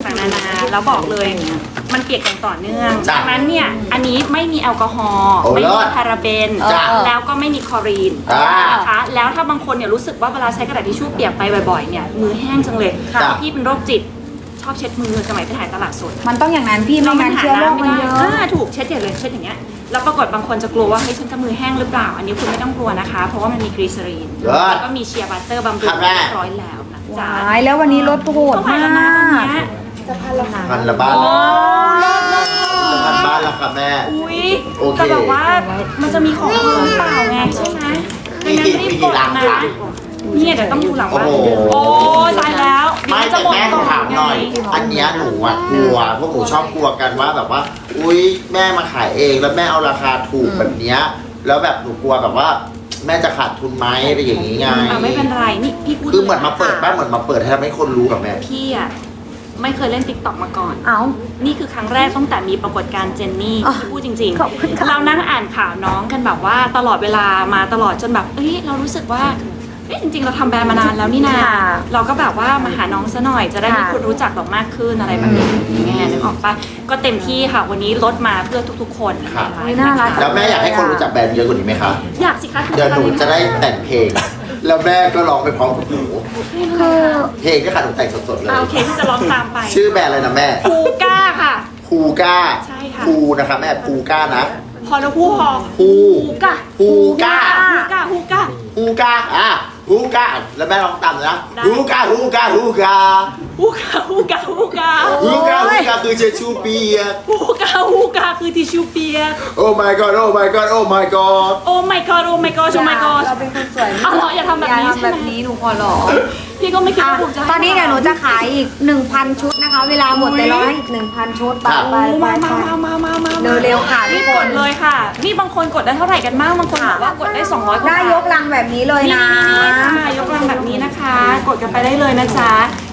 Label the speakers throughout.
Speaker 1: ต่างๆนานาแล้วบอกเลยมันเปียกอย่างต่อเนื่อง
Speaker 2: จ้ะ
Speaker 1: ดังนั้นเนี่ยอันนี้ไม่มีแอลกอฮอล์
Speaker 2: โอ้
Speaker 1: ไม่
Speaker 2: เลิ
Speaker 1: มี
Speaker 2: ศ
Speaker 1: พาราเบน
Speaker 2: จ้ะ
Speaker 1: แล้วก็ไม่มีคลอรีน
Speaker 2: จ้ะ
Speaker 1: นะคะแล้วถ้าบางคนเนี่ยรู้สึกว่าเวลาใช้กระดาษทิชชู่เปียกไปบ่อยๆเนี่ยมือแห้งจังเลย
Speaker 2: จ้ะ
Speaker 1: พี่เป็นโรคจิตชอบเช็ดมือสมัยไปถ่ายตลาดสด
Speaker 3: มันต้องอย่างนั้นพี่ไม่งั้นเชื้อโรคมันเยอะ
Speaker 1: ถูกเช็ดอย่างเลยเช็ดอย่างเงี้ยแล้วปรากฏบางคนจะกลัวว่าเฮ้ยฉันจะมือแห้งหรือเปล่า อันนี้คุณไม่ต้องกลัวนะคะ เพราะว่ามันมีกรีซอรีน
Speaker 2: เลิศ
Speaker 1: แล้วก็มีเชียร์บัตเตอร์บำรุง
Speaker 2: ครับแม่
Speaker 1: เรียบร้อยแล้วนะจ๊ะ
Speaker 3: ว้ายแล้ววันนี้ลดโหด
Speaker 1: เท่าไหร่
Speaker 3: มา
Speaker 1: แล้วนะวัน
Speaker 3: ก
Speaker 1: เนี้ย
Speaker 2: พันละบ้าน
Speaker 1: โอ้เลิศ
Speaker 2: จะพันบ้านแล้วค่ะแม่
Speaker 1: อุ้ย
Speaker 2: โอเค
Speaker 1: แต่แบบว่ามันจะมีของเพิ่มหรือเปล่าไงใช่ไหม
Speaker 2: มีกี่หลัง
Speaker 1: นะ
Speaker 2: คะ
Speaker 1: เนี่ยเดี๋ยวต้องดูหลังว่า
Speaker 2: โอ้โห
Speaker 1: โอ้ตายแล้ว
Speaker 2: ไม่แต่แม่หนูถามหน่อย อันเนี้ยหนูอะกลัวพวกหนูชอบกลัวกันว่าแบบว่า อุ๊ยแม่มาขายเองแล้วแม่เอาราคาถูกแบบเนี้ยแล้วแบบหนูกลัวแบบว่า แม่จะขาดทุนไหมอะไรอย่างงี้ไง
Speaker 1: ไม่เป็นไรนี่พี่พูด
Speaker 2: คือเหมือนมาเปิดบ้านเหมือนมาเปิดให้ทำให้คนรู้กับแม่
Speaker 1: พี่อะไม่เคยเล่นติ๊กต็อกมาก่อน
Speaker 3: เอ้า
Speaker 1: นี่คือครั้งแรกตั้งแต่มีปรากฏการณ์เจนนี่
Speaker 3: อ๋อ
Speaker 1: ที่พูดจริง
Speaker 3: ขอบคุณค่ะ
Speaker 1: เรานั่งอ่านข่าวน้องกันแบบว่าตลอดเวลามาตลอดจนแบบเอ้ยเรารู้สึกว่าเอ้ยจริงๆ เราทำแบรนด์มานานแล้วนี่นา
Speaker 3: ค่ะ
Speaker 1: เราก็แบบว่ามาหาน้องซะหน่อยจะได้มี
Speaker 3: ค่ะ
Speaker 1: คนรู้จักเรามากขึ้นอะไรแบบนี้อย่างเงี้ยนึกออกปะก็เต็มที่ค่ะวันนี้ลดมาเพื่อทุกๆ คน
Speaker 2: ครับ
Speaker 1: ในไลฟ์
Speaker 3: น่ารัก
Speaker 1: ะคะ
Speaker 2: แล้วแม่อยากให้คนรู้จักแบรนด์เยอะกว่านี้ไหมคะ
Speaker 1: อยากสิคะ
Speaker 2: เดี๋ยวหนูจะได้แต่งเพลง แล้วแม่ก็ร้องไปพร้อมกับหนู
Speaker 3: คือ
Speaker 2: เพลงที่ค่ะหนูแต่งสดๆเลย
Speaker 1: โอเคที่จะร้องตามไป
Speaker 2: ชื่อแบรนด์อะไรนะแม่
Speaker 1: คูก้าค่ะ
Speaker 2: ภูก้า
Speaker 1: ใช่ค่ะ
Speaker 2: ภูนะคะแม่ภูก้านะ
Speaker 1: พอแล้วพูดพอ
Speaker 2: ภู
Speaker 1: ฮูก้า
Speaker 2: ภูก้า
Speaker 1: ฮูก้าฮูก้า
Speaker 2: ฮูก้าฮูก้าแล้วแม่ลองตามนะ
Speaker 1: ได้
Speaker 2: ฮูก้าฮูก้าฮูก้า
Speaker 1: ฮูก้าฮูก้าฮูก้า
Speaker 2: ฮูก้าฮูก้าคือเชชูเปียก
Speaker 1: ฮูก้าฮูก้าคือทิชชู่เปียก
Speaker 2: โอ้ my god โอ้ my god โอ้ my god
Speaker 1: โอ้ my god โอ้ my god โอ้ my god
Speaker 3: เราเป็นคนสวย
Speaker 1: อ๋อเหรออย่าทำแบบนี้
Speaker 3: อย่า
Speaker 1: ใช่
Speaker 3: ทำ
Speaker 1: ไหม
Speaker 3: แบบนี้หนูขอร้อง
Speaker 1: พี่ก็ไม่คิด
Speaker 3: อ่ะ
Speaker 1: ว่าผมจะให้
Speaker 3: ตอนนี้เดี๋ยวหนูจะขายอีก 1,000 ชุดนะคะ เวลาหมดแต่เราให้อีก 1,000 ชุดไป
Speaker 2: ครับ
Speaker 3: ไปไป
Speaker 1: มา
Speaker 3: ไป
Speaker 1: มา
Speaker 3: เร็วๆค่ะทุ
Speaker 1: รี
Speaker 3: ก
Speaker 1: บ
Speaker 3: ค
Speaker 1: ก
Speaker 3: น
Speaker 1: ดเลยค่ะนี่บางคนกดได้เท่าไหร่กันบ้างบางคนบอกว่ากดได้200กว่า
Speaker 3: ได้
Speaker 1: บาท
Speaker 3: ยกลังแบบนี้เลย
Speaker 1: นี่
Speaker 3: นะ
Speaker 1: ค่ะยกลังแบบนี้นะคะ กดกันไปได้เลยนะจ๊ะ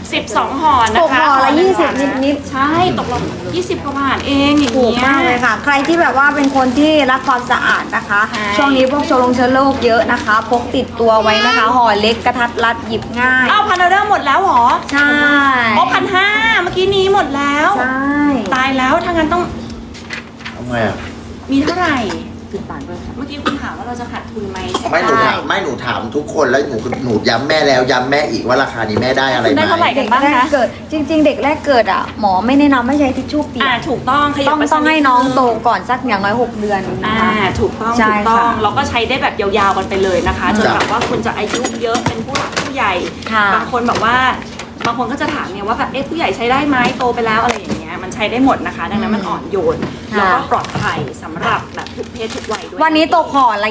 Speaker 1: 12ห่อ
Speaker 3: ต
Speaker 1: นะ
Speaker 3: ก
Speaker 1: คะ
Speaker 3: ห่อละ
Speaker 1: หนึ่ง
Speaker 3: 20 นิด
Speaker 1: ใช่ตกลง20กว่าบาทเองอย่าง
Speaker 3: ถูก
Speaker 1: เงี้ย
Speaker 3: มากเลยค่ะ ใครที่แบบว่าเป็นคนที่รักความสะอาดนะคะ
Speaker 1: ใช่
Speaker 3: ช่วงนี้พวกเชื้อโรคเยอะนะคะ พกติดตัวไว้นะคะ ห่อเล็กกระทัดรัดหยิบง่าย
Speaker 1: อ้าวพันออเดอร์หมดแล้วเหรอ
Speaker 3: ใช่
Speaker 1: อ๋อ1,500เมื่อกี้นี้หมดแล้ว
Speaker 3: ใช่
Speaker 1: ตายแล้วถ้างั้นต้อง
Speaker 2: ทำไมอ่ะ
Speaker 1: มีเท่าไหร่
Speaker 3: 10 บาทด้วยค่ะ
Speaker 1: เมื่อกี้คุณถามว่าเราจะขาดทุนไหม
Speaker 2: ไม่หนูถามไม่หนูถามทุกคนแล้วหนูย้ำแม่แล้วย้ำแม่อีกว่าราคานี้แม่ได้อะไร
Speaker 1: คุณ
Speaker 2: ไห
Speaker 1: ได้เท่าไหร่
Speaker 2: ม
Speaker 1: กันบ้าง
Speaker 3: แรก
Speaker 1: นะ
Speaker 3: เกิดจริง ๆ เด็กแรกเกิดอ่ะหมอไม่แนะนำให้ใช้ทิชชู่เปียก
Speaker 1: ถูกต้องขยับ
Speaker 3: ต้อง
Speaker 1: ไปสัก
Speaker 3: ต้องให้น้องโตก่อนสักอย่างน้อย6 เดือนนะ
Speaker 1: อ่า
Speaker 3: คะ
Speaker 1: ถูกต้อง
Speaker 3: ใช่
Speaker 1: ถูกต้อง
Speaker 3: ค่ะ
Speaker 1: เราก็ใช้ได้แบบยาวๆกันไปเลยนะคะจน
Speaker 2: จ้ะ
Speaker 1: แบบว่าคุณจะอายุเยอะเป็นผู้หลักผู้ใหญ่
Speaker 3: ค่ะ
Speaker 1: บางคนแบบว่าบางคนก็จะถามเนี่ยว่าแบบเอ๊ะผู้ใหญ่ใช้ได้ไหมโตไปแล้วอะไรอย่างเงี้ยมันใช้ได้หมดนะคะ ดังนั้นมันอ่อนโยน
Speaker 3: ค่ะ
Speaker 1: แล้วก็ปลอดภัยสำหรับแบบทุกเพศทุกวัยด้วย
Speaker 3: วันนี้ตกห่อละ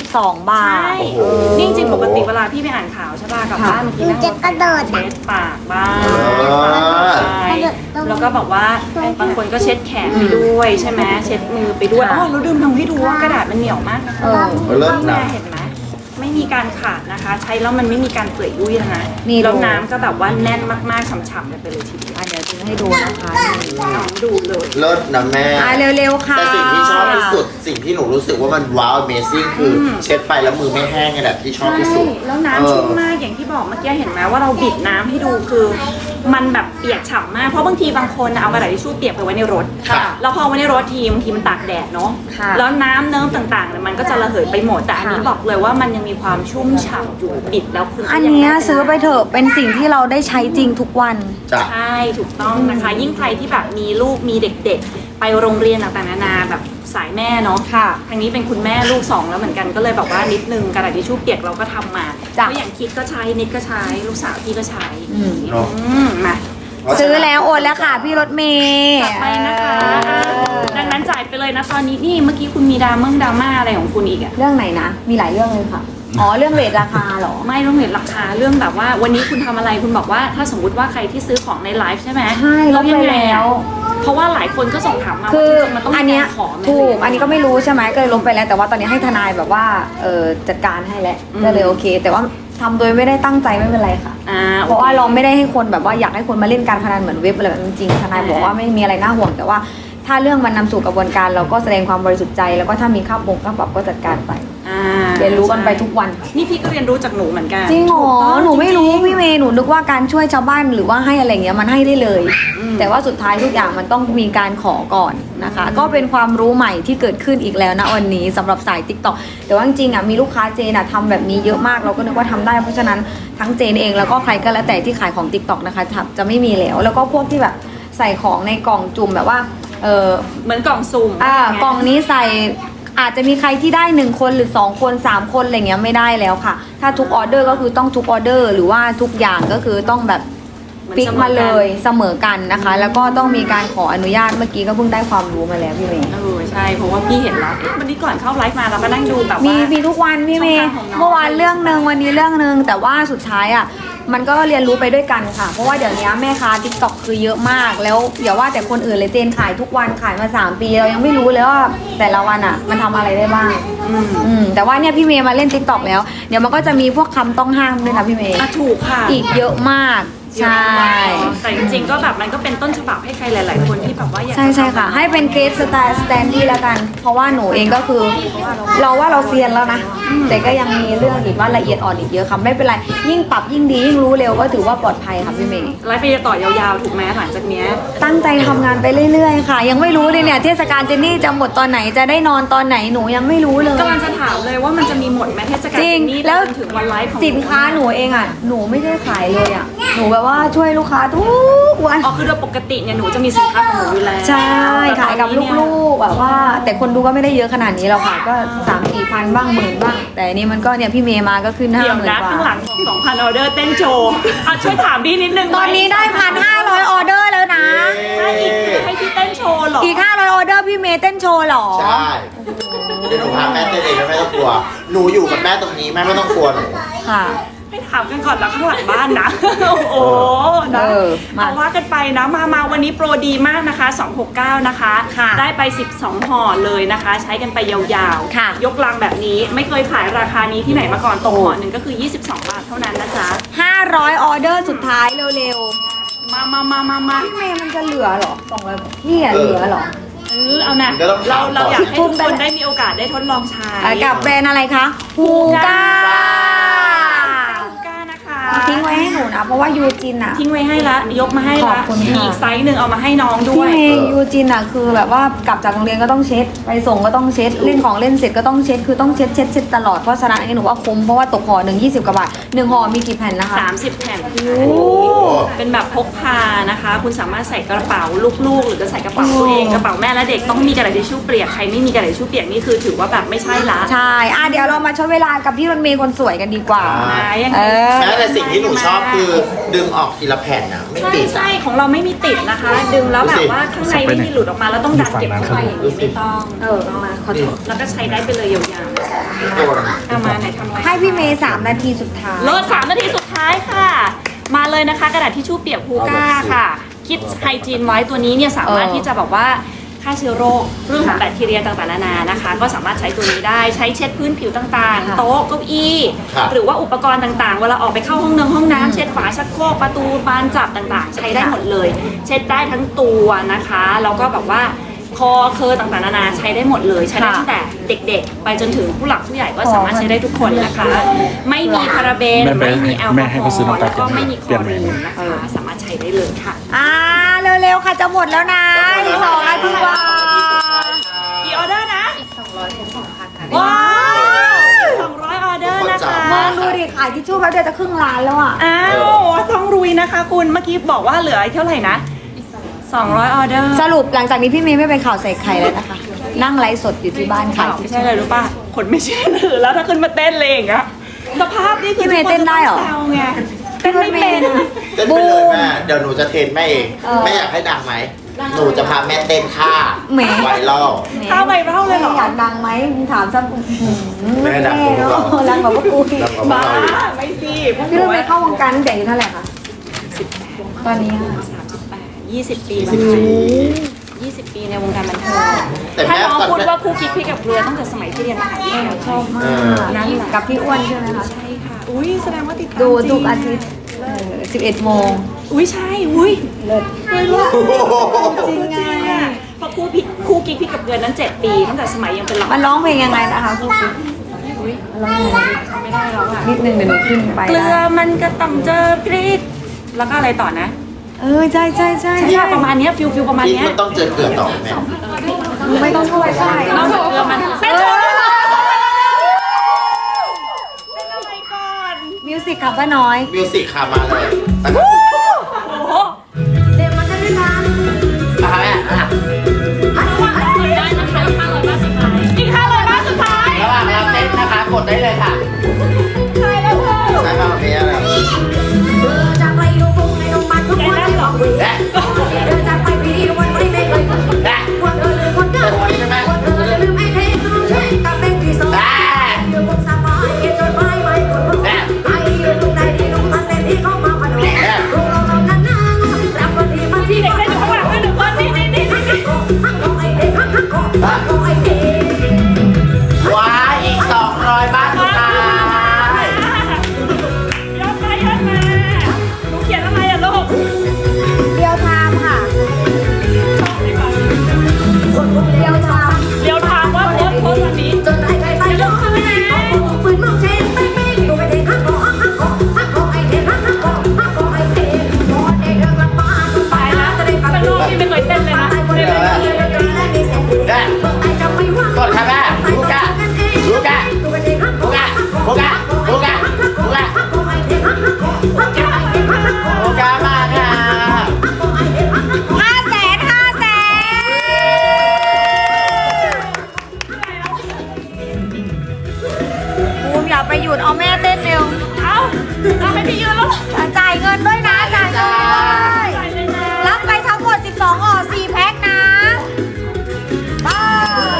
Speaker 3: 22 บา
Speaker 1: ใช่
Speaker 3: ท
Speaker 2: โอ้โห
Speaker 1: นี่จริงๆปกติเวลาพี่ไปอ่านข่าวใช่ป่ะกลับบ้านบางทีนั่ง
Speaker 4: จะกระโดด
Speaker 1: เช็ดปากบ้าง
Speaker 2: อ
Speaker 1: ใช่แล้วก็บอกว่าบางคนก็เช็ดแขนไปด้วยใช่ไหมเช็ดมือไปด้วย
Speaker 3: ค่ะ
Speaker 1: อ๋อเราลืมทำให้ดูว่ากระดาษมันเหนียวมากนะคะ
Speaker 3: เออ
Speaker 2: เลิศ
Speaker 1: แม่
Speaker 2: นะ
Speaker 1: เห็นไหมไม่มีการขาดนะคะ ใช้แล้วมันไม่มีการเปื่อยยุ่ยแล้วนะ
Speaker 3: นี่
Speaker 1: แล้ว
Speaker 3: ดู
Speaker 1: น้ำก็แบบว่าแน่นมากๆฉ่ำๆกันไปเลยทีเดียว
Speaker 3: อ่ะเดี๋ยวจะให้ดูนะคะ
Speaker 1: น้องดูเลย
Speaker 2: เลิศนะแม่
Speaker 3: อ่ะเร็วๆค่ะ
Speaker 2: แต่สิ่งที่ชอบที่สุดสิ่งที่หนูรู้สึกว่ามันว้าว Amazing คืออเช็ดไปแล้วมือไม่แห้งนี่แหละที่ชอบที่สุด
Speaker 1: ใช่แล้วน้ำชุ่มมากอย่างที่บอกเมื่อกี้เห็นไหมว่าเราบิดน้ำให้ดูคือ มันแบบเปียกฉ่ำมากเพราะบางทีบางคนเอากระดาษทิชชู่เปียกไปไว้ในรถ
Speaker 2: ค่ะ
Speaker 1: แล้วพอไว้ในรถทีบางทีมันตากแดดเนาะ
Speaker 3: ค่ะ
Speaker 1: แล้วน้ำเนิ้มต่างๆเนี่ยมันก็จะระเหยไปหมดแต่อันนี้
Speaker 3: ค่ะ
Speaker 1: บอกเลยว่ามันยังมีความชุ่มฉ่ำอยู่บิดแล้วคุณก็
Speaker 3: อัน
Speaker 1: ยัง
Speaker 3: เนี้ย
Speaker 1: ด้
Speaker 3: ซื้อไปเถอะเป็นสิ่งที่เราได้ใช้จริงทุกวัน
Speaker 2: จ้ะ
Speaker 1: ใช่ถูกต้องนะคะ ยิ่งใครที่แบบมีลูกมีเด็กๆ ไปโรงเรียนต่างๆนานาแบบสายแม่เนาะ
Speaker 3: ค่ะ
Speaker 1: ทางนี้เป็นคุณแม่ลูก 2 แล้วเหมือนกันก็เลยแบบว่านิดนึงกระดาษทิชชู่เปียกเราก็ทำมา
Speaker 3: จ้ะ
Speaker 1: เพราะอย่างคิดก็ใช้นิดก็ใช้ลูกสาวพี่ก็ใช้
Speaker 2: เนาะ
Speaker 1: มา
Speaker 3: ซื้อแล้วโอนแล้วค่ะพี่รถเมย์
Speaker 1: จัดไปนะคะดังนั้นจ่ายไปเลยนะตอนนี้นี่เมื่อกี้คุณมีดราม่าอะไรของคุณอีกอะ
Speaker 3: เรื่องไหนนะ มีหลายเรื่องเลยค่ะ อ๋อ เรื่องเรทราคาเหรอ
Speaker 1: ไม่ต้องเห็นราคาเรื่องแบบว่าวันนี้คุณทำอะไรคุณบอกว่าถ้าสมมติว่าใครที่ซื้อของในไลฟ์ใช่ไหม
Speaker 3: ใช่ลดไป
Speaker 1: ยังไง
Speaker 3: แล้
Speaker 1: อะ
Speaker 3: ว
Speaker 1: เพราะว่าหลายคนก็ส่งถามมา
Speaker 3: คื
Speaker 1: ว่า
Speaker 3: อ
Speaker 1: จริงๆมันต้อง
Speaker 3: อัน
Speaker 1: มี
Speaker 3: เนี้ย
Speaker 1: การขอไหม
Speaker 3: ถูกอันนี้ก็ไม่รู้ใช่ไหมก็เลยลบไปแล้วแต่ว่าตอนนี้ให้ทนายแบบว่าจัดการให้แล้วก็เลยโอเค แต่ว่าทำโดยไม่ได้ตั้งใจไม่เป็นไรค่ะ เพราะว่าเราไม่ได้ให้คนแบบว่าอยากให้คนมาเล่นการพนันเหมือนเว็บอะไรแบบนั้นจริงๆทนายบอกว่าไม่มีอะไรน่าห่วงแต่ว่าถ้าเรื่องมันนำสู่กระบวนการเราก็แสดงความบริสุทธิ์ใจแล้วก็ถ้ามีค่าปรับก็จัดการไป เรียนรู้กันไปทุกวัน
Speaker 1: นี่พี่ก็เรียนรู้จากหนูเหมือนกัน
Speaker 3: จริงเหรอ
Speaker 1: ถูกต้อง
Speaker 3: หนูไม่รู้
Speaker 1: จงๆ
Speaker 3: พี่เมย์หนูนึกว่าการช่วยชาวบ้านหรือว่าให้อะไรเงี้ยมันให้ได้เลย แต่ว่าสุดท้ายทุกอย่างมันต้องมีการขอก่อนนะคะ ก็เป็นความรู้ใหม่ที่เกิดขึ้นอีกแล้วนะวันนี้สำหรับสาย TikTok แต่ว่าจริงๆอ่ะมีลูกค้าเจนอ่ะทำแบบนี้เยอะมากเราก็นึกว่าทำได้เพราะฉะนั้นทั้งเจนเองแล้วก็ใครก็แล้วแต่ที่ขายของ TikTok นะคะจะไม่มีแล้วแล้วก็พวกที่แบบใส่ของในกล่องจุ่มแบบว่า
Speaker 1: เหมือนกล่องสุ่ม
Speaker 3: กล่องนี้ใส่อาจจะมีใครที่ได้1คนหรือ2คน3คนอะไรเงี้ยไม่ได้แล้วค่ะถ้าทุกออเดอร์ก็คือต้องทุกออเดอร์หรือว่าทุกอย่างก็คือต้องแบบฟิกมาเลยเสมอกันนะคะ แล้วก็ต้องมีการขออนุญาตเมื่อกี้ก็เพิ่งได้ความรู้มาแล้วพี่เมย์
Speaker 1: ใช่เพราะว่าพี่เห็นแล้ววันนี้ก่อนเข้าไลฟ์มาเราก็นั่งดูแบบว่า
Speaker 3: มีทุกวันพี่เมย์
Speaker 1: ช่องทางของน้อง
Speaker 3: เมื่อวานเรื่องนึงวันนี้เรื่องนึงแต่ว่าสุดท้ายอ่ะมันก็เรียนรู้ไปด้วยกันค่ะเพราะว่าเดี๋ยวนี้แม่ค้า TikTok คือเยอะมากแล้วอย่าว่าแต่คนอื่นเลยเจนขายทุกวันขายมา3 ปีเรายังไม่รู้เลยว่าแต่ละวันอ่ะมันทำอะไรได้บ้างแต่ว่าเนี่ยพี่เมย์มาเล่น TikTok แล้วเดี๋ยวมันก็จะมีพวกคำต้องห้ามด้วยนะพี่เมย์
Speaker 1: ถูกค่ะ
Speaker 3: อีกเยอะมากใช่
Speaker 1: แต่จริงๆก็แบบมันก็เป็นต้นฉบับให้ใครหลายๆคนที่แบบว่าอยาก
Speaker 3: ใช่ค่ะให้เป็นเกสสแตนดี้แล้วกันเพราะว่าหนูเองก็คือเราว่าเราเซียนแล้วนะแต่ก็ยังมีเรื่องอีกว่าละเอียดอ่อนอีกเยอะค่ะไม่เป็นไรยิ่งปรับยิ่งดียิ่งรู้เร็วก็ถือว่าปลอดภัยค่ะพี่เมย์
Speaker 1: ไลฟ์ไปต่อยาวๆถูกไหมหลังจากเนี้ย
Speaker 3: ตั้งใจทำงานไปเรื่อยๆค่ะยังไม่รู้เลยเนี่ยเทศกาลเจนนี่จะหมดตอนไหนจะได้นอนตอนไหนหนูยังไม่รู้เลย
Speaker 1: กำลังจะถามเลยว่ามันจะมีหมดไหมเทศกาล
Speaker 3: จริง
Speaker 1: นี้
Speaker 3: แล้ว
Speaker 1: จนถึงวันไลฟ์ของ
Speaker 3: สินค้าหนูเองอ่ะหนูไม่ได้ขายเลยอ่ะหนูแบบว่าช่วยลูกค้าทุกวัน
Speaker 1: อ๋อคือโดยปกติเนี่ยหนูจะมีสินค้าของหนูอยู่แล้ว
Speaker 3: ใช่ขายกับลูกๆแบบว่า แต่คนดูก็ไม่ได้เยอะขนาดนี้หรอกค่ะก็ 3-4 พันบ้าง10,000บ้างแต่อันนี่มันก็เนี่ยพี่เมย์มาก็ขึ้น
Speaker 1: เดี๋ยว
Speaker 3: 50,000
Speaker 1: นะ
Speaker 3: กว่า
Speaker 1: ข้างหลังของ 2,000 ออเดอร์เต้นโชว์ช่วยถามพี่นิดนึง
Speaker 3: ตอนนี้ได้1,500 ออเดอร์แล้วนะ
Speaker 1: ถ้าอีกให้พี่เต้นโชว์เหรอ
Speaker 3: อีก500 ออเดอร์พี่เมย์เต้นโชว์เหรอ
Speaker 2: ใช่เดี๋ยวหนูพาแม่เต้นเองแม่ไม่ต้องกลัวหนูอยู่กับแม่ตรงนี้แม่ไม่ต้องกลัวหนู
Speaker 3: ค่ะ
Speaker 1: ให้ถามกันก่อนแล้วข้างหลังบ้านนะ โอ้นะ
Speaker 3: มา
Speaker 1: เอาว่ากันไปนะมาวันนี้โปรดีมากนะคะ269นะคะ
Speaker 3: ค่ะ
Speaker 1: ได้ไป12ห่อเลยนะคะ ใช้กันไปยาว
Speaker 3: ค่ะ
Speaker 1: ยกลังแบบนี้ไม่เคยขายราคานี้ที่ไหนมาก่อนตกห่อหนึ่งก็คือ22 บาทเท่านั้นนะจ๊ะ
Speaker 3: 500 ออเดอร์สุดท้ายเร็ว
Speaker 1: มา
Speaker 3: ๆพี่เมย์มันจะเหลือเหรอ200พี่อะเหลือเหรอ
Speaker 1: เอานะเราอยากให้ทุกคนได้มีโอกาสได้ทดลองใช้
Speaker 3: กับแบรนด์อะไรคะฮูก้า
Speaker 1: ฮูก้านะคะ
Speaker 3: ทิ้งไว้ให้หนูนะเพราะว่ายูจินอะ
Speaker 1: ทิ้งไว้ให้ละยกมาให้
Speaker 3: ขอ
Speaker 1: ละ
Speaker 3: บคุณค่ะ
Speaker 1: มีอีกไซส์หนึ่งเอามาให้น้องด้
Speaker 3: พี่
Speaker 1: วย
Speaker 3: เมย์ยูจินอะคือแบบว่ากลับจากโรงเรียนก็ต้องเช็ดไปส่งก็ต้องเช็ดเล่นของเล่นเสร็จก็ต้องเช็ดคือต้องเช็ดตลอดเพราะฉะนั้นอันนี้หนูว่าคุ้มเพราะว่าตกห่อหนึ่ง20 กว่าบาท1ห่อมีกี่แผ่นนะคะ
Speaker 1: 30 แผ่นเป็นแบบพกพานะคะ คุณสามารถใส่กระเป๋าลูกๆ หรือจะใส่กระเป๋าตัวเองกระเป๋าแม่และเด็กต้องมีกระดาษทิชชู่เปียกใครไม่มีกระดาษทิชชู่เปียกนี่คือถือว่าแบบไม่ใช่ละ
Speaker 3: ใช่เดี๋ยวเรามาชดเวลากับพี่รถเมย์คนสวยกันดีกว่า
Speaker 1: ยังไง
Speaker 2: แม้แต่สิ่งที่หนูชอบคือดึงออกทีละแผ่นนะไม่ติด
Speaker 1: ใช่ของเราไม่มีติดนะคะ ดึงแล้วแบบว่าข้างในไม่มีหลุดออกมาแล้วต้องดันเก็บเข้าไปอย่างนี้ไม่ต้องมาขอโทษแล้วก็ใช้ได้ไปเลยยาวๆนะคะเอามาไหนทำอะไร
Speaker 3: ให้พี่เมย์3 นาทีสุดท้าย
Speaker 1: เลิศ3 นาทีสุดท้ายค่ะ มาเลยนะคะกระดาษทิชชู่เปียกฮูก้าค่ะ คิดไฮจีนไว้ตัวนี้เนี่ยสามารถที่จะแบบว่าฆ่าเชื้อโรคเรื่องของแบคทีเรียต่างๆนานานะคะ ก็สามารถใช้ตัวนี้ได้ใช้เช็ดพื้นผิวต่างๆ โต๊ะเก้าอี้หรือว่าอุปกรณ์ต่างๆเวลาออกไปเข้าห้องน้ำเช็ดฝาชักโครกประตูบานจับต่างๆ ใช้ได้หมดเลย เช็ดได้ทั้งตัวนะคะแล้วก็แบบว่าคอเคอต่างๆนานาใช้ได้หมดเลยใช้ได้ตั้งแต่เด็กๆ ไปจนถึงผู้หลักผู้ใหญ่ก็สามารถใช้ได้ทุกคนนะคะ ไม่มีพาราเบนไม่มีแอลกอฮอล์แล้วก็ไม่มีคลอรีนนะคะสามารถใช้ได้เลยค่ะ
Speaker 3: เร็วๆค่ะจะหมดแล้วนะอีก2 นาทีกว่า
Speaker 1: กี่ออเดอร์นะอีก200เป็น2,000ค่ะว้าว200 ออเดอร์นะคะ
Speaker 3: มองดูดิขายทิชชู่แป๊บเดียวจะครึ่งล้านแล้วอ่ะ
Speaker 1: อ้าวต้องรุยนะคะคุณเมื่อกี้บอกว่าเหลือเท่าไหร่นะ200 ออเดอร์
Speaker 3: สรุปหลังจากนี้พี่เมย์ไม่เป็นข่าวใส่ไข่แล้วนะคะ นั่งไลฟ์สดอยู่ที่บ้านขาย
Speaker 1: ไม่ใช่เลยรู้ป่ะคนไม่เชื่อถือแล้วถ้าขึ้นมาเต้นเลยอย่างเงี้ยสภาพนี่คือ
Speaker 3: พี่เมย์เต้นได้เหรอ
Speaker 1: แซวไงเต้นไม่เป็น
Speaker 2: เต้นไปเลยแม่เดี๋ยวหนูจะเทรนแม่เองแม่อยากให้ดังไหมหนูจะพาแม่เต้นท่าไวรัล
Speaker 1: ข้าวไวรัลเลยเหรอ
Speaker 3: อยากดังไหมมึงถามซะ
Speaker 2: แม่ดังกว่าพวกเรา
Speaker 3: ดังกว่าพวกกูอีก
Speaker 2: ดังกว่าพวก
Speaker 1: บ้า
Speaker 2: เราอีก
Speaker 1: ไม่สิพวกห
Speaker 3: พี่
Speaker 1: นู
Speaker 3: รถเมย์เข้าวงการตั้งแต่อายุเท่าไหร่คะตอนนี้อะ
Speaker 1: 20 ปีมา20 ปีในวงการบันเทิง
Speaker 2: แต่
Speaker 1: ถ้า
Speaker 2: แม่
Speaker 1: น้อง
Speaker 2: ตอน
Speaker 1: พูด
Speaker 2: แม่
Speaker 1: ว่าครูคิดพี่กับเรือตั้งแต่สมัยที่เรียนมหาวิทยาลัย
Speaker 3: ชอบมากนั่นแหละกับพี่อ้วนใช่ไหมคะ
Speaker 1: ใช่ค่ะอุ้ยแสดงว่าติดตาม
Speaker 3: ดู
Speaker 1: จริง
Speaker 3: ทุกอาทิตย์11 โมง
Speaker 1: อุ้ยใช่อุ้ย
Speaker 3: เลิศ
Speaker 1: จริงอ่ะเพราะคู่กิ๊กพี่กับเดือนนั้น7 ปีตั้งแต่สมัยยังเป็นหลาน
Speaker 3: มันร้องเพลงยังไงนะคะครูปิ๊ก
Speaker 1: อุ้ยร้องไม่ได้แล้วอ่ะ
Speaker 3: นิดนึงเดี๋ยวหนูขึ้นไป
Speaker 1: เกลื
Speaker 3: ได้
Speaker 1: อมันก็ต้องเจอพริกแล้วก็อะไรต่อนะ
Speaker 3: ใช่ใช่ใช่
Speaker 1: ใช่ประมาณเนี้ยฟิลประมาณ
Speaker 2: พริก
Speaker 1: เนี้ย
Speaker 2: มันต้องเจอเกลือต่อแม่
Speaker 3: ไม่ต้องช่วยใช่
Speaker 1: นอกจากเกลือมันเป็นอะไรก่อน
Speaker 3: มิวสิกค่ะป้าน้อย
Speaker 2: มิวสิกค่ะมาเลย
Speaker 1: โอ้โห
Speaker 2: นะคะแม่อ่ะ
Speaker 1: ได้นะคะอีก500 บาทสุดท้าย
Speaker 2: ระหว่างเราเต้นนะคะ กดได้เลยค่ะ
Speaker 1: ใช่แล้วค่ะ
Speaker 2: ใช่ค่ะเพลงอะไร
Speaker 1: แกนั่นเหรอ
Speaker 2: และและใช่ไหม
Speaker 1: พี่เด็กได้อยู่ข้างหลังด้วย1 คนนี่
Speaker 2: ว้าอีก 200 บาทสุดท้าย
Speaker 1: ยอดมาหนูเขียนอะไรอ่ะลูก
Speaker 3: เดียวไทม์ค่ะเดียวไทม์
Speaker 1: เดี๋ยวถามว่าโพสต์วันนี้ ตายแล้วข้างนอกพี่ไม่เคยเต้นเลยนะ
Speaker 2: และกดค่ะแม่ลูกะลูกะลูกะลูกะลูกะลูกะลูกะมาค่ะ
Speaker 3: ภูมิอย่าไปหยุดเอาแม่เต้นเร็ว
Speaker 1: เอาให้พี่ยืนแล้ว
Speaker 3: จ่ายเงินด้วยนะจ่ายเงินด้วย
Speaker 1: ใส่เลยนะ
Speaker 3: รับไปทั้งหมด 12ห่อ4 แพ็คนะบ้า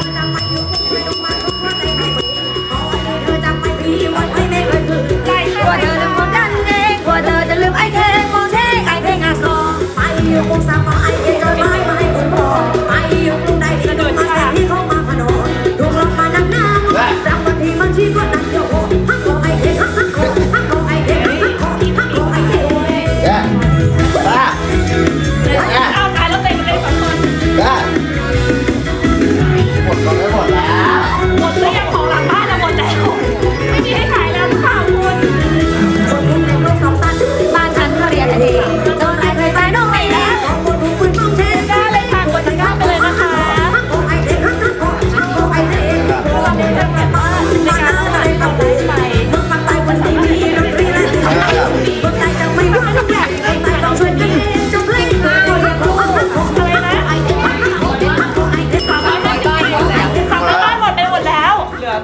Speaker 1: ใส่
Speaker 3: กลัวเธอลืมคนนั้นเองกลัวเธอจะลืมไอ้เท่งมองเท่งไอ้เท่งอาซอ
Speaker 2: และป้า
Speaker 1: เอาตายแล้วเต็มเลย2 คน
Speaker 2: ป้าหมดก็ไม่หมดแล้ว
Speaker 1: หมดหรือยังของหลังบ้านอะหมดแล้วไม่มีให้ขายแล้วหรือเปล่าคุณ
Speaker 3: บ้านฉันก็เรียนเองจนไอ้เคยตายน้องไม่แล้ว
Speaker 1: ได้เลยค่ะกดตะกร้าไปเลยนะคะเราไม่ได้แบบว่าในการขายเราได้ไปมันสามารถที่จะได้อะไรนะ300 บาทหมดไปหมดแล้ว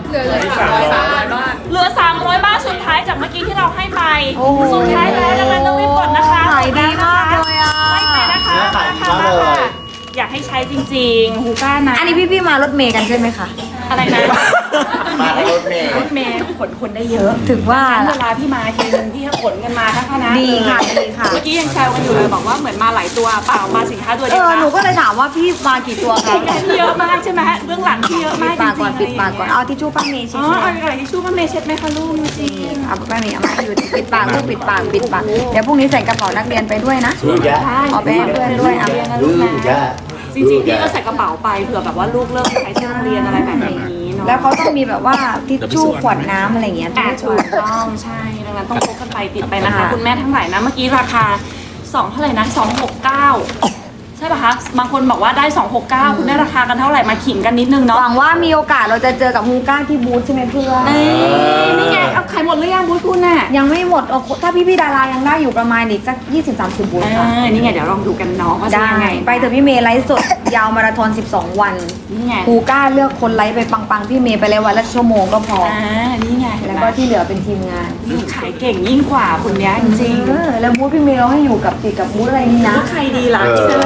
Speaker 1: เหลือ 300 บาทสุดท้ายจากเมื่อกี้ที่เราให้ไป
Speaker 3: โอ้โห
Speaker 1: สุดท้ายแล้วดังนั้นต้องรีบกดนะคะ
Speaker 3: ขายดีมากเลยอ่ะ
Speaker 1: ไม่ไปนะคะ
Speaker 2: ขายดีมากเลย
Speaker 1: อยากให้ใช้จริงๆฮูก้านะ
Speaker 3: อันนี้พี่ๆมารถเมย์กันใช่ไหมคะ
Speaker 1: อะไรนะ
Speaker 2: มาในรถเมล์
Speaker 1: รถเมย์ขนคนได้เยอะ
Speaker 3: ถึงว่า
Speaker 1: เวลาพี่มาทีนึงพี่ก็ขนกันมาทั้งคณะ
Speaker 3: ดีค่ะดีค่ะ
Speaker 1: เมื่อกี้ยังแซวกันอยู่เลยบอกว่าเหมือนมาหลายตัวเปล่ามาสินค้าตัวเดียว
Speaker 3: หนูก็เลยถามว่าพี่มากี่ตัวคะ
Speaker 1: พี่เยอะมากใช่ไหมเรื่องหลังพี่เยอะ
Speaker 3: ปิ
Speaker 1: มา
Speaker 3: ด
Speaker 1: กจ
Speaker 3: ปากก่
Speaker 1: ริ
Speaker 3: อน
Speaker 1: งๆ
Speaker 3: ปิดปากก่อนเอาทิชชู่ป้าเมย์
Speaker 1: อ๋
Speaker 3: ชิ้
Speaker 1: อน เอากระดาษทิชชู่มาเมย์เช็ดไหมคะลูกจริง
Speaker 3: เอาป้าเมย์เอามาอยู่ปิดปากลูกปิดปากปิดปากเดี๋ยวพรุ่งนี้ใส่กระเป๋านักเรียนไปด้วยนะ
Speaker 2: ลูกยะ
Speaker 3: เอาไปให้เพื่อนด้วยอ่ะ
Speaker 2: ลูกยะ
Speaker 1: จริงๆพี่ก็ใส่กระเป๋าไปเผื่อแบบว่าลูกเลิกใช้ที่โรงเรียนอะไรแบบนี้เนาะ
Speaker 3: แล้วเขาต้องมีแบบว่าทิชชู่ขวดน้ำอะไรอย่างเงี้ย
Speaker 1: อ่ะ
Speaker 3: ทิชชู่
Speaker 1: ถูกต้องใช่ดังนั้นต้องพกกันไปติดไปนะคะ
Speaker 3: ค่ะ
Speaker 1: คุณแม่ทั้งหลายนะเมื่อกี้ราคา2เท่าไหร่นะ269ใช่ป่ะคะบางคนบอกว่าได้269คุณได้ราคากันเท่าไหร่มาขิงกันนิดนึง
Speaker 3: ห
Speaker 1: เนาะ
Speaker 3: วังว่ามีโอกาสเราจะเจอกับฮูก้าที่บูธใช่ไหมเพื่อน
Speaker 1: นี่ไงเอาขายหมดหรือยังบูธคุณน่ะ
Speaker 3: ยังไม่หมดถ้าพี่ๆดารายังได้อยู่ประมาณอีกสัก20-30บูธค่ะ
Speaker 1: นี่ไงเดี๋ยวลองดูกันเนาะว่าจะ
Speaker 3: ได้
Speaker 1: ยังไง
Speaker 3: ไปเถอะพี่เมย์ไลฟ์สด ยาวมาราธอน12 วัน
Speaker 1: นี่ไง
Speaker 3: ฮูก้าเลือกคนไลฟ์ไปปังๆพี่เมย์ไปเลยวันละชั่วโมงก็พอ
Speaker 1: นี่ไง
Speaker 3: แล้วก็ที่เหลือเป็นทีมงาน
Speaker 1: ขายเก่งยิ่งกว่าคนเนี้ยจริง
Speaker 3: แล้วบูธพี่เมย์เราให้อยู่กับติดกับบูธอะไรนี่
Speaker 1: ๆ
Speaker 3: นะ
Speaker 1: แล้วใครดีล่ะคิดเลยสิ
Speaker 3: ตัว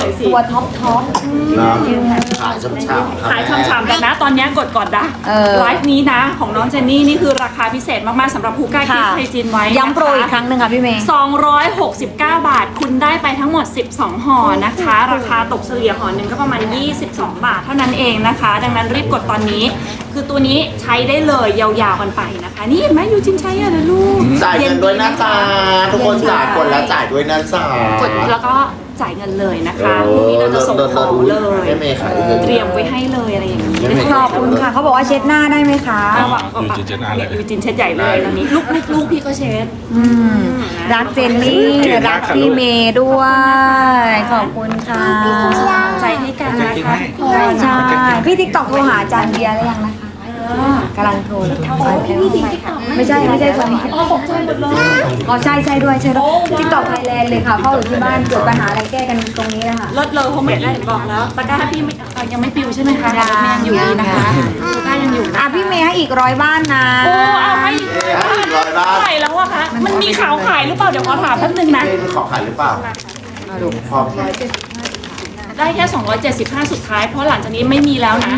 Speaker 3: ท็อป
Speaker 2: นะขายช่ำๆ
Speaker 1: ขายฉ่ำๆกันนะ ตอนนี้กดก่อนนะ
Speaker 3: เออ
Speaker 1: ไลฟ์นี้นะของน้องเจนนี่นี่คือราคาพิเศษมากๆสำหรับฮูก้าคิด
Speaker 3: ค่ะ
Speaker 1: ไฮจีนไว้
Speaker 3: ย้ำโปรอีกครั้งหนึ่งค่ะพี่เมย์
Speaker 1: 269 บาท คุณได้ไปทั้งหมด 12 ห่อนะคะ ราคาตกเฉลี่ยห่อหนึ่งก็ประมาณ 22 บาทเท่านั้นเองนะคะ ดังนั้นรีบกดตอนนี้ คือตัวนี้ใช้ได้เลยยาวๆกันไปนะคะ นี่เห็นไหมยูจินใช้อะนะลูก
Speaker 2: จ่ายเงินด้วยนะจ๊ะทุกคนจ่ายกดแล้วจ่ายด้วยนะจ๊ะ
Speaker 1: กดแล้วก็จ่ายเงินเลยนะคะพรุ่งนี้เราจะส่งของเลย
Speaker 2: ให้เมย์ขายเลย
Speaker 1: เตรียมไว้ให้เลยอะไรอย่างนี้
Speaker 3: ขอบคุณค่ะเขาบอกว่าเช็ดหน้าได้ไหมคะ
Speaker 1: หวังว่ายูจินเช็ดใหญ่เลยตอนนี้ลูกพี่ก็เช็ด
Speaker 3: อืมรักเจนนี่รักพี่เมย์ด้วย ขอบคุณค่ะ
Speaker 1: ใจให้กันนะคะ
Speaker 3: ใช่พี่ติ๊กต็อกโทรหาอาจารย์เบียร์แล้วยังนะคะกำลังโทรเลยไม่ใช่คนนี้
Speaker 1: อ๋อตกใจหมดเลย
Speaker 3: อ๋อใช่ด้วยติ๊กต็อกไทยแลนด์เลยค่ะเข้าอยู่ที่บ้านเกิดปัญหาอะไรแก้กันตรงนี้นะคะ
Speaker 1: ลดเลยเขาไม่ได้บอกแล้วตะกร้าพี่ไม่ยังไม่ปิวใช่ไหมคะ
Speaker 3: ยัง
Speaker 1: ยังอยู่ดีนะคะตะกร้ายังอยู่นะ
Speaker 3: อ่ะพี่เมย์ให้อีก100 บ้านนะ
Speaker 1: โอ้เอาให้อีก
Speaker 2: ให้อีก100 บาท
Speaker 1: เท่าไหร่แล้วอะคะมันมีข่าวขายหรือเปล่าเดี๋ยวขอถามแป๊บนึงนะ
Speaker 2: เมย์ขอขายหรือเปล่าพอ
Speaker 1: ได้แค่ 275 สุดท้ายเพราะหลังจากนี้ไม่มีแล้วนะ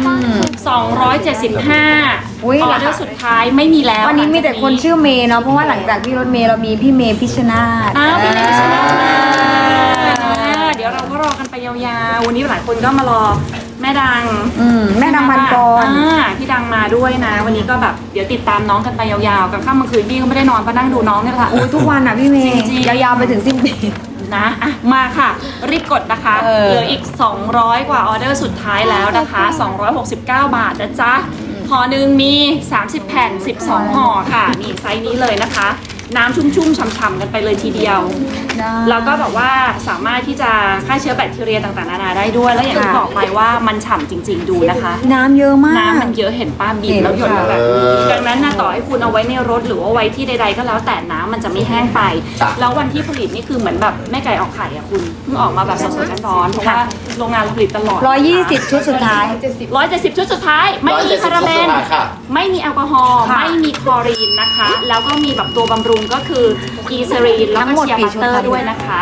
Speaker 1: 275
Speaker 3: อุ๊ย
Speaker 1: ออเดอร์สุดท้ายไม่มีแล้ว
Speaker 3: วันนี้มีแต่คนชื่อเมย์เนาะเพราะว่าหลังจากที่รถเมย์เรามีพี่เมย์พิชชนาธิ์
Speaker 1: อ้าวพี่เมย์พิชชนาธิ์เดี๋ยวเราก็รอกันไปยาวๆวันนี้หลายคนก็มารอแม่ดัง
Speaker 3: แม่ดังพันกร
Speaker 1: พี่ดังมาด้วยนะ วันนี้ก็แบบเดี๋ยวติดตามน้องกันไปยาวๆกับข้ามเมื่อคืนพี่ก็ไม่ได้นอนเพราะนั่งดูน้องเนี่ยแหละ
Speaker 3: โอ้ยทุกวันอ่ะพี่เมย์
Speaker 1: จริงๆ
Speaker 3: ยาวๆไปถึงสิ้นปี
Speaker 1: นะอ่ะมาค่ะ รีบกดนะคะ
Speaker 3: เออ
Speaker 1: เหลืออีก 200 กว่าออเดอร์สุดท้ายแล้วนะคะ 269 บาทนะจ๊ะห่อหนึ่งมี 30 แผ่น 12 ห่อค่ะนี่ไซส์นี้เลยนะคะ น้ำชุ่มๆฉ่ำๆกันไปเลยทีเดียว แล้วก็แบบว่าสามารถที่จะฆ่าเชื้อแบคทีเรียต่างๆนานาได้ด้วย แล้วอย่างที่บอกไปว่ามันฉ่ำจริง ๆดูนะคะ
Speaker 3: น้ำเยอะมาก
Speaker 1: น้ำมันเยอะเห็นป้าบีบแล้วหยดมาแบบนี้ดังนั้นนะต่อให้คุณเอาไว้ในรถหรือว่าไว้ที่ใดๆก็แล้วแต่น้ำมันจะไม่แห้งไป แล้ววันที่ผลิตนี่คือเหมือนแบบแม่ไก่ออกไข่อะคุณเพิ่งออกมาแบบสดๆร้อนๆเพราะว่าโรงงานเราผลิตตลอด
Speaker 3: 120 ชุดสุดท้าย
Speaker 1: 170 ชุดสุดท้าย ไม่มีพาราเบน
Speaker 2: ค่ะ
Speaker 1: ไม่มีแอลกอฮอล์
Speaker 3: ค่ะ
Speaker 1: ไม่มีคลอรีนนะคะ แล้วก็มีแบบตัวบำรุงก็คือกีเซรีนแล้ว
Speaker 3: ทั้
Speaker 1: ก็
Speaker 3: งหมด
Speaker 1: เชียร์
Speaker 3: กี่
Speaker 1: บัต
Speaker 3: ชุด
Speaker 1: เตอ
Speaker 3: คะ
Speaker 1: ร์ด้วยนะคะ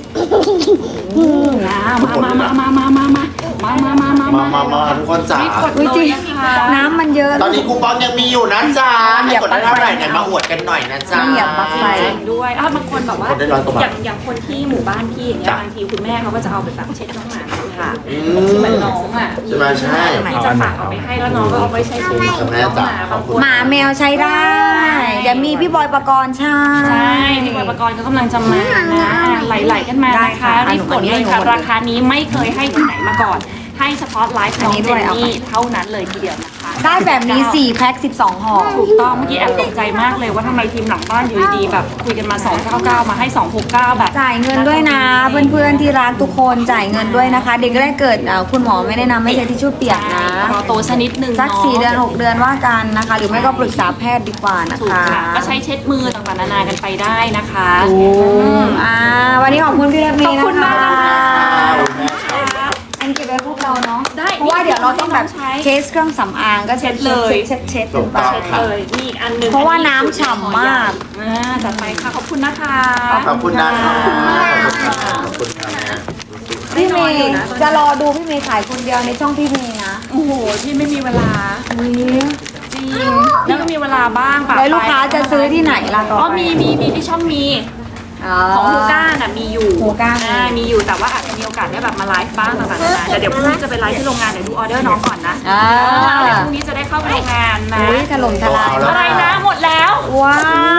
Speaker 1: มา
Speaker 2: ทุกคนจ๋า
Speaker 1: รีบกด
Speaker 3: อุ๊ย
Speaker 1: เล
Speaker 3: จริ
Speaker 1: ย
Speaker 3: ง
Speaker 1: นะคะ
Speaker 3: น้ำมันเยอะ
Speaker 2: ตอนนี้คูปองยังมีอยู่นะจ๊ะให้กดได้เท่าไหร่เนี่ยมาอวดกันหน่อยนะจ๊ะ
Speaker 3: เหยียบบักไฟ
Speaker 1: จริงๆด้วยบางคนแบบว่า
Speaker 2: คนได้100 กว่าบาท
Speaker 1: อย่างคนที่หมู่บ้านพี่อย่างเงี้ย
Speaker 2: จ้ะ
Speaker 1: บางทีคุณแม่เขาก็จะเอาไปแบบเช็ดน้องหมาค่ะ
Speaker 2: อื
Speaker 1: ที่เหมือน
Speaker 2: ม
Speaker 1: น้องอ่ะ
Speaker 2: ใช่ไหมใช่
Speaker 1: ที่จะฝากเอาไปให้แล้วน้องก็เอาไปใช้ชีวิตของน้องหมาบางคน
Speaker 3: หมาแมวใช้ได้เดี๋ยวมีพี่บอยปกรณ์ใช่
Speaker 1: ใช่พี่บอยปกรณ์ก็กำลังจะมานะไหลๆกันมา
Speaker 3: ได้
Speaker 1: นะ
Speaker 3: ค่ะ
Speaker 1: คะรีบกดเลยค่ะ
Speaker 3: หนู
Speaker 1: ราคานี้ไม่เคยให้ที่ไหนมาก่อน ให้เฉพาะไลฟ์น้องเจนนี่เท่านั้นเลยทีเดียวนะคะ
Speaker 3: ได้แบบนี้4 แพ็ค 12 ห่อ
Speaker 1: ถูกต้องเมื่อกี้แอบตกใจมากเลยว่าทำไมทีมหลังบ้านอยู่ดีๆแบบคุยกันมา 299 มาให้ 269 แบบ
Speaker 3: จ่ายเงินด้วยนะ เพื่อนๆที่รักทุกคนจ่ายเงินด้วยนะคะ เด็กแรกเกิดคุณหมอไม่แนะนำไม่ใช้ทิชชู่เปียกนะ
Speaker 1: รอโตสักนิดนึง
Speaker 3: สัก
Speaker 1: เนาะ
Speaker 3: 4 เดือน 6 เดือนว่ากันนะคะ หรือไม่ก็ปรึกษาแพทย์ดีกว่านะ
Speaker 1: ถูก
Speaker 3: คะ
Speaker 1: ค่ะก็ใช้เช็ดมือต่างๆนานากันไปได้นะคะ
Speaker 3: วันนี้ขอบคุณพี่รถเมย์นะคะ
Speaker 1: ขอบคุณมากนะคะ
Speaker 3: อันเก็บไว้พวกเราเนาะ
Speaker 1: ได้
Speaker 3: เพราะว่าเดี๋ยวเราต้องแบบ
Speaker 1: ใช้
Speaker 3: เช็ดเครื่องสำอางก็เช็ด
Speaker 1: เช็ดเลย
Speaker 3: เช็ด
Speaker 2: ถูกต้อง
Speaker 3: ไป
Speaker 1: เลยนี่อีกอันหนึง
Speaker 3: เพราะว่าน้ำฉ่ำมาก
Speaker 1: จัดไปค่ะขอบคุณนะคะ
Speaker 2: ขอบคุณนะคะขอบคุณค่ะ
Speaker 3: พี่เมย์จะรอดูพี่เมย์ขายคนเดียวในช่องพี่เมย์นะ
Speaker 1: โอ้โหที่ไม่มีเวลา
Speaker 3: อุ๊ย
Speaker 1: จริงแล้วก็มีเวลาบ้างปะ
Speaker 3: แล้วลูกค้าจะซื้อที่ไหนล่ะต่อ
Speaker 1: อ๋อ
Speaker 3: ไป
Speaker 1: มีที่ช่องมีของฮูก้าน่ะมีอยู่
Speaker 3: ฮูก้า
Speaker 1: มีอยู่แต่ว่าอาจจะมีโอกาสได้แบบมาไลฟ์บ้างต่างๆนานาแต่เดี๋ยวพรุ่งนี้จะไปไลฟ์ที่โรงงานเดี๋ยวดูออเดอร์น้องก่อนนะ
Speaker 3: อ่า
Speaker 1: เดี๋ยวพรุ่งนี้จะได้เข้าไปโรงงานนะ
Speaker 3: อุ้ยถล่มทลาย
Speaker 1: อะไรนะหมดแล้ว
Speaker 3: ว้าว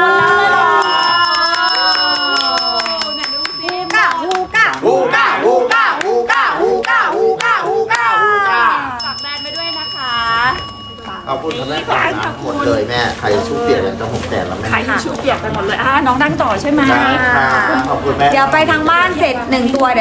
Speaker 1: ไหนดูสิ
Speaker 3: ฮูก้า
Speaker 2: ฮูก้าฮูก้าฮูก้าฮูก้าฮูก้าฮูก้าฮูก้า
Speaker 1: ฝากแบรนด์ไปด้วยนะคะ
Speaker 2: ขอบคุณค่ะแม่ค่ะนะหมดเลยแม่ใครชุบเปลี่ยนกันจะ6 แสนแล้วแม่
Speaker 1: ขายทิชชู่เปียกไปหมดเลยน้องนั่งต่อใช่ไหม
Speaker 2: ได้ค่ะขอบคุณแม่
Speaker 3: เดี๋ยวไปทางบ้านเสร็จ1 ตัว